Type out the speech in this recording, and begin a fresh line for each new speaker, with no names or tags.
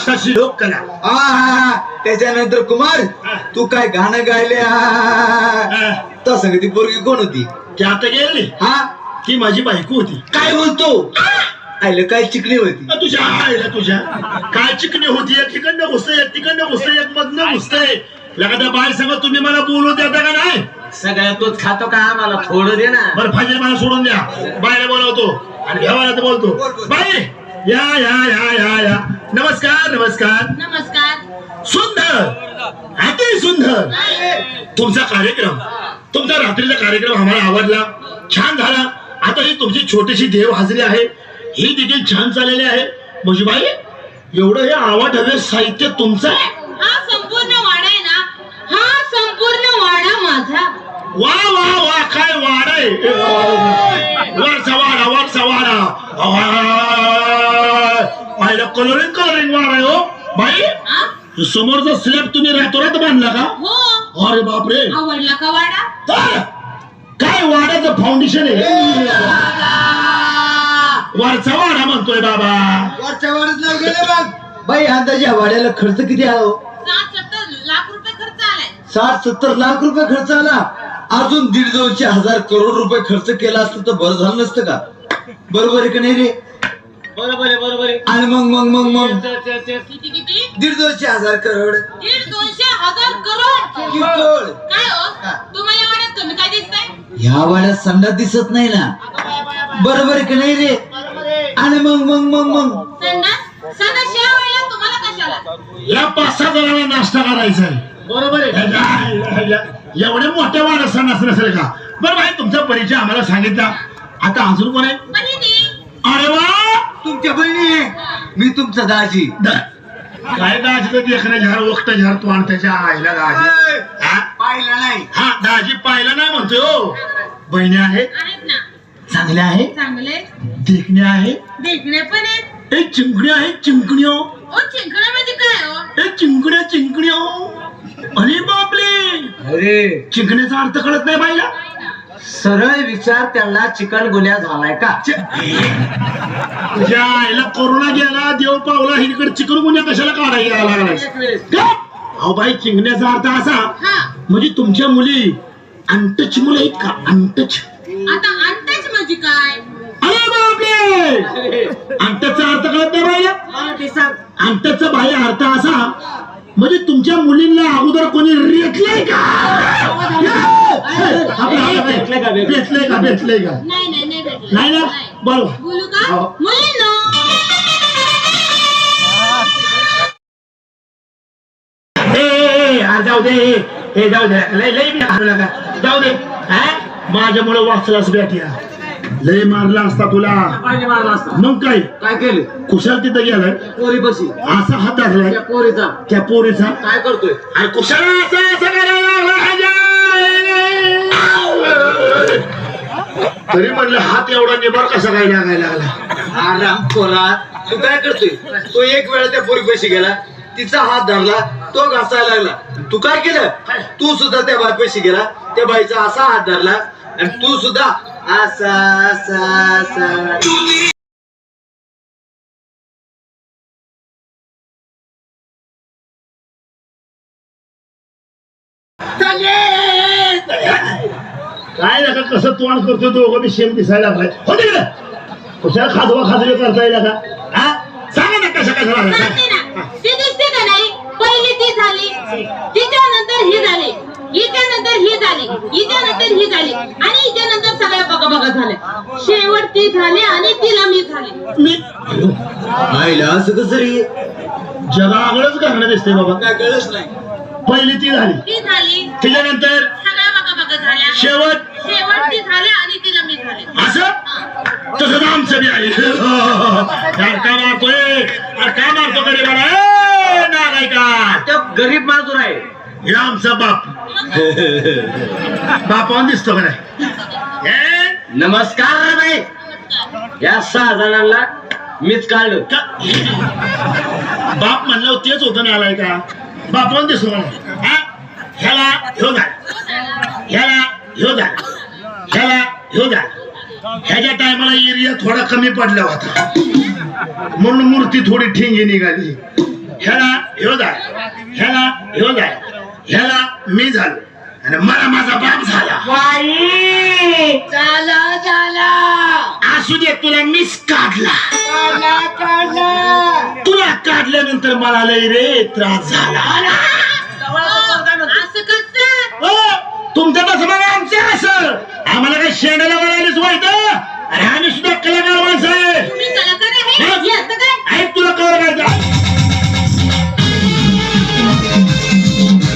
महाराष्ट्राची लोककला.
त्याच्यानंतर कुमार तू काय गाणं गायले तसं ती पोरगी कोण होती?
ती आता गेली.
हा
ती माझी बायको होती.
काय बोलतो? आयलं काय चिकणी होती?
तुझ्या आईला तुझ्या काय चिकणी होती? एक ठिकाणं घुसतंय, एक ठिकाणं घुसतंय, एक मधनं घुसतंय. लगाद्या बाय सांगा तुम्ही मला बोलू देता का नाही?
सगळ्या तोच खातो का? आम्हाला थोडं दे ना.
बरं फाजील मला सोडून द्या. बायला बोलवतो आणि व्यवहारात बोलतो. बाई या या या या या. नमस्कार नमस्कार
नमस्कार.
सुंदर अति सुंदर तुमचा कार्यक्रम, तुमचा रात्रीचा कार्यक्रम आम्हाला आवडला, छान झाला. आता ही तुमची छोटीशी देव हाजरी आहे, ही देखील छान चाललेली आहे. म्हणजे बाई एवढं हे आवड हवे साहित्य तुमचं आहे?
हा संपूर्ण वाडा आहे ना, हा संपूर्ण वाडा माझा.
वा वा वा काय वाड आहे. वरचा वाडा वरचा वाडा. कलरिंग कलरिंग वाड आहे हो बाई. समोरचा स्लॅब तुम्ही रातोरात बांधला का?
हो.
अरे बापरे.
आवडला का वाडा?
तर काय वाड्याचं फाउंडेशन आहे? वरचा वाडा म्हणतोय बाबा.
वरच्या वाड्यात नाव गेले बघ. बाई अंदाजे या वाड्याला खर्च किती आहे?
60-70 लाख रुपये खर्च आलाय.
60-70 लाख रुपये खर्च आला. अजून 1,500 करोड रुपये खर्च केला असतं तर बरं झालं नसतं का? बरोबर आहे का नाही रे?
बरोबर आहे, बरोबर आहे.
आणि मग
किती किती?
1,500 करोड
1,200,000 करोड.
किरकोळ.
काय हो तुम्हाला वाड्यात कमी काय दिसतंय?
ह्या वाड्यात संडा दिसत नाही ना. बरोबर आहे का नाही रे? आणि मग
संडास या वेळेला तुम्हाला कशाला?
या 5-6 जणांना नाश्ता करायचा आहे.
बरोबर आहे.
एवढे मोठ्या वाड्यात संडास नसेल का? बरं भाई तुमचा परिचय आम्हाला सांगितला. आता अजून कोण आहे?
बहिणी.
अरे वा
तुमच्या बहिणी आहे. मी तुमचा दाजी.
काय दाजी देखणे झार वक्त झार तू आणि त्याच्या आईला दाजी
पाहिलं नाही.
हा दाजी पाहिला नाही म्हणतोय हो. बहिणी आहेत
आहेत ना.
चांगल्या आहे,
चांगले
देखणे आहे,
देखणे पण आहेत.
एक चिंकणी आहे चिंकण्यो.
ओ चिंकणा म्हणजे काय हो?
एक चिंकण्या चिंकण्यो. अरे बापले.
अरे
चिंकण्याचा अर्थ कळत नाही बाईला.
सरळ विचार त्यांना चिकन गुन्हा झालाय का?
तुझ्या आईला कोरोना गेला, देव पावला, हिकडे चिकन गुन्हा कशाला काढायला लागला? अहो बाई चिंकण्याचा अर्थ असा
हा.
म्हणजे तुमच्या मुली अंटच मुलं आहेत का? अंटच.
आता अंतच म्हणजे काय?
अरे बापरे. अंटचा अर्थ कळत नाही बाईला. अंटचा बाह्य अर्थ असा म्हणजे तुमच्या मुलींना अगोदर कोणी रेटलंय का? भेटलंय का? भेटलंय का?
नाही भेटलं.
नाही ना. बरोबर.
बोलू का?
हो.
मुलींनो
जाऊ दे. हे जाऊ दे. लय बी हारू नका. जाऊ दे. माझ्यामुळे वाचलाच भेटया. लय मारला असता तुला.
मारला असता.
मग काय
काय केलं?
कुशाल तिथं गेलाय.
पोरी बशी
असा हात धरलाय
त्या पोरीचा
त्या पोरीचा.
काय करतोय?
अरे कुशाला असं करायला लागला. तरी म्हणलं हात एवढा निभार कसा काय लागायला लागला?
आराम खोरा. तू काय करतोय? तो एक वेळा त्या पोरी पैसे गेला, तिचा हात धरला, तो घासायला लागला. तू काय केलं? तू सुद्धा त्या बाई पैसे गेला, त्या बाईचा असा हात धरला आणि तू सुद्धा असा असा असा.
काय नका कसं तोंड करतोय दोघं बी सेम दिसायला लागलाय. हो तिकडे कुशाला खाजवा खाजवे करता येईल का? सांगा ना कसं कसं लागलं.
सांगते ना. ती दिसते का नाही? पहिली ती झाली, तिच्यानंतर ही झाली, हिच्यानंतर ही झाली, हिच्यानंतर ही झाली आणि हिच्यानंतर सगळ्या बघा झाल्या. शेवट ती झाली आणि तिला मी झाली.
मी
आईला असं कसं रे?
जगागळच घालणं दिसतंय बाबा.
काय कळलंच नाही.
पहिली ती झाली,
ती झाली,
त्याच्यानंतर
सगळ्या बघा झाल्या.
शेवट
ती झाली आणि तिला मी झाली.
असं तसं आमचं बी आहे. का मारतोय? का मारतो गरीबाला? नाही का?
तो गरीब माजूर आहे.
हे आमचा बाप. बापावर दिसतो का नाही?
नमस्कार बाई. या 6 जणांना मीच काढलं.
बाप म्हणलं तेच होतं नाही आलाय का? बापावर दिसतो का नाही? ह्याला ह्यो झाला, ह्याला ह्यो झाला, ह्याला ह्यो झाला. ह्याच्या टायमाला एरिया थोडा कमी पडला होता म्हणून मूर्ती थोडी ठिंगी निघाली. ह्याला ह्यो झाला, ह्याला ह्यो झाला, ह्याला मी झालो आणि मला माझा बाप झाला.
बाई झाला झाला
असू दे, तुला मीच काढला.
काढला काढला
तुला काढल्यानंतर मला लय रे त्रास झाला.
असं कसं?
तुमचं तसं बघा, आमचं असं. आम्हाला काही शेंडाला बनायलाच व्हायचं.